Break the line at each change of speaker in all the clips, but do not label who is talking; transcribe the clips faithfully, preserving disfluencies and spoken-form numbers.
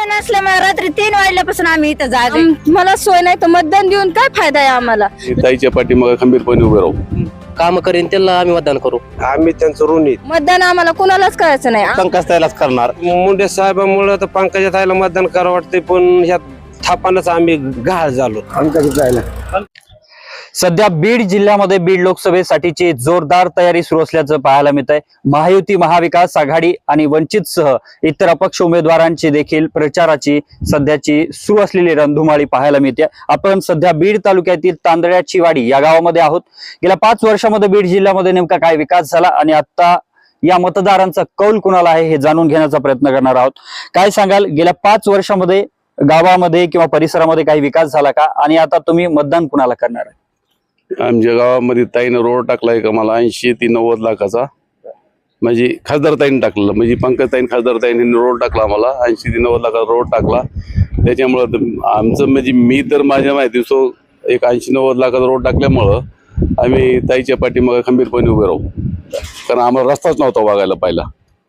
नसल्यामुळे रात्री तीन वाजल्यापासून आम्ही इथं जागे. मला सोय नाही तर मतदान देऊन काय फायदा आहे आम्हाला.
ताईच्या पाठीमागे खंबीरपणे उभे राहू.
काम करेन त्याला आम्ही मतदान करू.
आम्ही त्यांचं ऋणी.
मतदान आम्हाला कुणालाच करायचं नाही.
पंकज ताईलाच करणार.
मुंडे साहेबांमुळे तर पंकजा ताईला मतदान करावं वाटतंय, पण ह्या थापानच आम्ही घाळ झालो. पंकजा ताईला
सध्या बीड जिल्ह्यामध्ये बीड लोकसभेसाठीची जोरदार तयारी सुरू असल्याचं पाहायला मिळत आहे. महायुती, महाविकास आघाडी आणि वंचित सह इतर अपक्ष उमेदवारांची देखील प्रचाराची सध्याची सुरू असलेली रणधुमाळी पाहायला मिळते. आपण सध्या बीड तालुक्यातील तांदळ्याची वाडी या गावामध्ये आहोत. गेल्या पाच वर्षामध्ये बीड जिल्ह्यामध्ये नेमका काय विकास झाला आणि आता या मतदारांचा कौल कुणाला आहे हे जाणून घेण्याचा प्रयत्न करणार आहोत. काय सांगाल, गेल्या पाच वर्षामध्ये गावामध्ये किंवा परिसरामध्ये काही विकास झाला का आणि आता तुम्ही मतदान कुणाला करणार आहे?
आमच्या गावामध्ये ताईनं रोड टाकलाय का मला ऐंशी ते नव्वद लाखाचा. म्हणजे खासदार ताईने टाकलेला, म्हणजे पंकज ताईन खासदार ताईने रोड टाकला आम्हाला ऐंशी ते नव्वद लाखाचा रोड टाकला. त्याच्यामुळं आमचं म्हणजे मी तर माझ्या माहिती सो एक ऐंशी नव्वद लाखाचा रोड टाकल्यामुळं आम्ही ताईच्या पाठीमागे खंबीरपणे उभे राहू, कारण आम्हाला रस्ताच नव्हता वागायला पाहिला.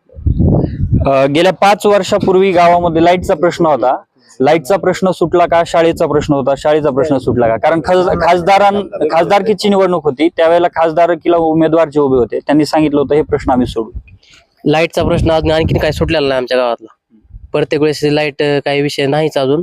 गेल्या पाच वर्षापूर्वी गावामध्ये लाईटचा प्रश्न होता. लाईटचा प्रश्न सुटला का? शाळेचा प्रश्न होता, शाळेचा प्रश्न सुटला का? कारण खासदारां खासदारकीची निवडणूक होती त्यावेळेला खासदारकीला उमेदवार जे उभे होते त्यांनी सांगितलं होतं हे प्रश्न आम्ही सोडू.
लाईटचा प्रश्न अजून आणखीन काही सुटलेला नाही आमच्या गावातला. प्रत्येक वेळेस लाईट काही विषय नाहीच अजून.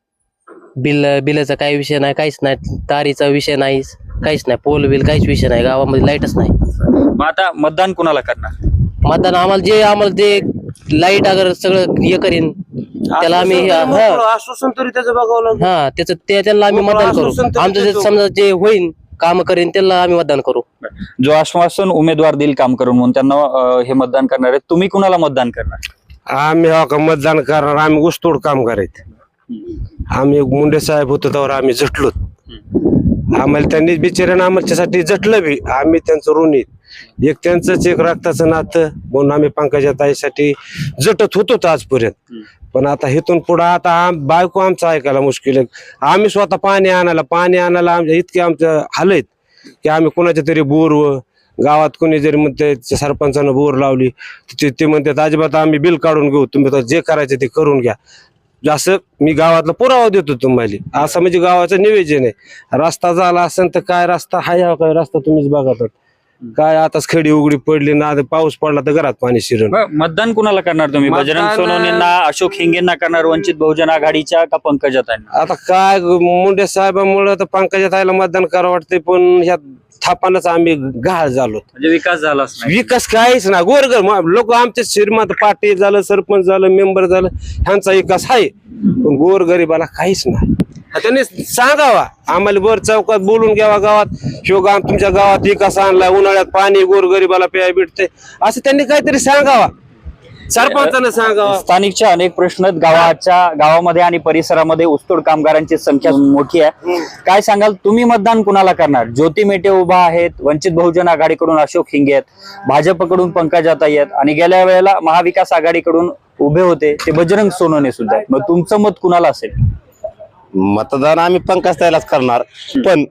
बिल बिलचा काही विषय नाही, काहीच नाही. तारीचा विषय नाहीच, काहीच नाही. पोल बिल काहीच विषय नाही. गावामध्ये लाईटच नाही.
मग आता मतदान कुणाला करणार?
मतदान आम्हाला जे आम्हाला जे लाईट अगर सगळं हे करीन त्याला आम्ही
आश्वासन तरी त्याचं बघावं लागेल.
हा त्याचं ते त्यांना आम्ही मतदान करू. आमचं जे समजा जे होईल काम करेन त्याला आम्ही मतदान करू.
जो आश्वासन उमेदवार देईल काम करून म्हणून त्यांना हे मतदान करणार आहे. तुम्ही कुणाला मतदान करणार?
आम्ही हो का मतदान करणार. आम्ही ऊसतोड काम करायचं. आम्ही मुंडे साहेब होतो त्यावर आम्ही झटलो. आम्हाला त्यांनी बिचाऱ्यानं आमच्यासाठी झटलं बी. आम्ही त्यांचं ऋणी. एक त्यांचंच एक रक्ताचं नातं म्हणून आम्ही पंकजा ताईसाठी झटत होतो आजपर्यंत. पण आता इथून पुढे आता बायको आमचं ऐकायला मुश्किल आहे. आम्ही स्वतः पाणी आणायला पाणी आणायला आमच्या इतके आमचं हाल आहेत की आम्ही कोणाच्या तरी बोरवर गावात कोणी जरी म्हणते सरपंचानं बोर लावली ते म्हणतात अजिबात आम्ही बिल काढून घेऊ, तुम्ही जे करायचं ते करून घ्या. असं मी गावातला पुरावा देतो तुम्हाला. असं म्हणजे गावाचं नियोजन आहे. रस्ता झाला असेल तर काय रस्ता हाय हा काय रस्ता तुम्हीच बघा. काय आताच खडी उघडी पडली ना, पाऊस पडला तर घरात पाणी शिरण.
मतदान कुणाला करणार तुम्ही? बजरंग सोनवणेंना, अशोक हिंगेंना करणार, वंचित बहुजन आघाडीच्या का पंकजा ताईंना?
आता काय मुंडे साहेबांमुळे तर पंकजा ताईला मतदान करावं वाटतंय, पण ह्या थापानच आम्ही घाळ झालो.
म्हणजे विकास झालाच नाही.
विकास काहीच ना. गोरगर लोक आमचे श्रीमंत पाटील झालं, सरपंच झालं, मेंबर झालं, ह्यांचा विकास आहे, पण गोरगरीबाला काहीच नाही. त्यांनी सांगावा आम्हाला बर चौकात बोलून घ्यावा गावात शिवगाम तुमच्या गावात विकास आणलाय, उन्हाळ्यात पाणी गोरगरीबाला प्याय भेटते असं त्यांनी काहीतरी सांगावा. सरपंचानं सांगावा.
स्थानिकच्या अनेक प्रश्न गावाच्या गावामध्ये आणि परिसरामध्ये ऊसतोड कामगारांची संख्या मोठी आहे. काय सांगाल, तुम्ही मतदान कुणाला करणार? ज्योती मेटे उभा आहेत, वंचित बहुजन आघाडीकडून अशोक हिंगे आहेत, भाजपकडून पंकजा ताई आहेत आणि गेल्या वेळेला महाविकास आघाडीकडून उभे होते ते बजरंग सोनवणे सुद्धा आहेत. मग तुमचं मत कुणाला असेल? मतदान आम्ही पंकज ताईलाच करणार. पण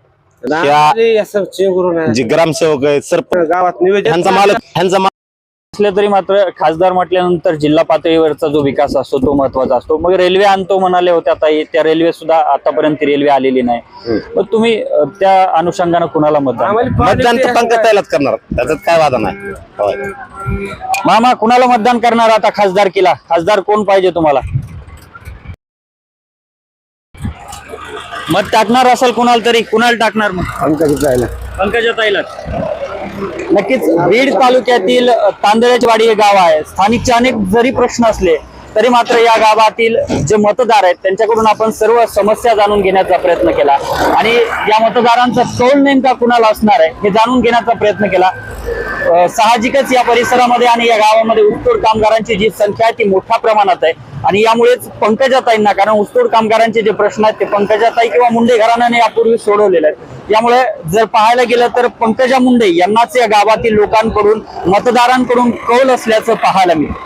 जे ग्रामसेवक आहेत, सरपंच,
गावात नियोजन
ह्यांचा मालक ह्यांचा असलं तरी मात्र खासदार म्हटल्यानंतर जिल्हा पातळीवरचा जो विकास असतो तो महत्वाचा असतो. मग रेल्वे आणतो म्हणाले होते, आता त्या रेल्वे सुद्धा आतापर्यंत रेल्वे आलेली नाही. मग तुम्ही त्या अनुषंगाने कुणाला मतदान?
मतदान तर पंकज ताईलाच करणार, त्याच्यात काय वादा नाही.
मामा, कुणाला मतदान करणार आता खासदारकीला? खासदार कोण पाहिजे तुम्हाला? मत टाकणार असेल कुणाला तरी, कुणाला टाकणार? मग
पंकजा ताईला.
पंकजा ताईला. नक्कीच बीड तालुक्यातील तांदळ्याची वाडी हे गाव आहे. स्थानिकचे अनेक जरी प्रश्न असले तरी मात्र या गावातील जे मतदार आहेत त्यांच्याकडून आपण सर्व समस्या जाणून घेण्याचा प्रयत्न केला आणि या मतदारांचा कौल नेमका कुणाला असणार आहे हे जाणून घेण्याचा प्रयत्न केला. साहजिकच या परिसरामध्ये आणि या गावामध्ये ऊसतोड कामगारांची जी संख्या आहे ती मोठ्या प्रमाणात आहे आणि यामुळेच पंकजा ताईंना, कारण ऊसतोड कामगारांचे जे प्रश्न आहेत ते पंकजा ताई किंवा मुंडे घराण्याने यापूर्वी सोडवलेले आहेत. यामुळे जर पाहायला गेलं तर पंकजा मुंडे यांनाच या गावातील लोकांकडून मतदारांकडून कौल असल्याचं पाहायला मिळतं.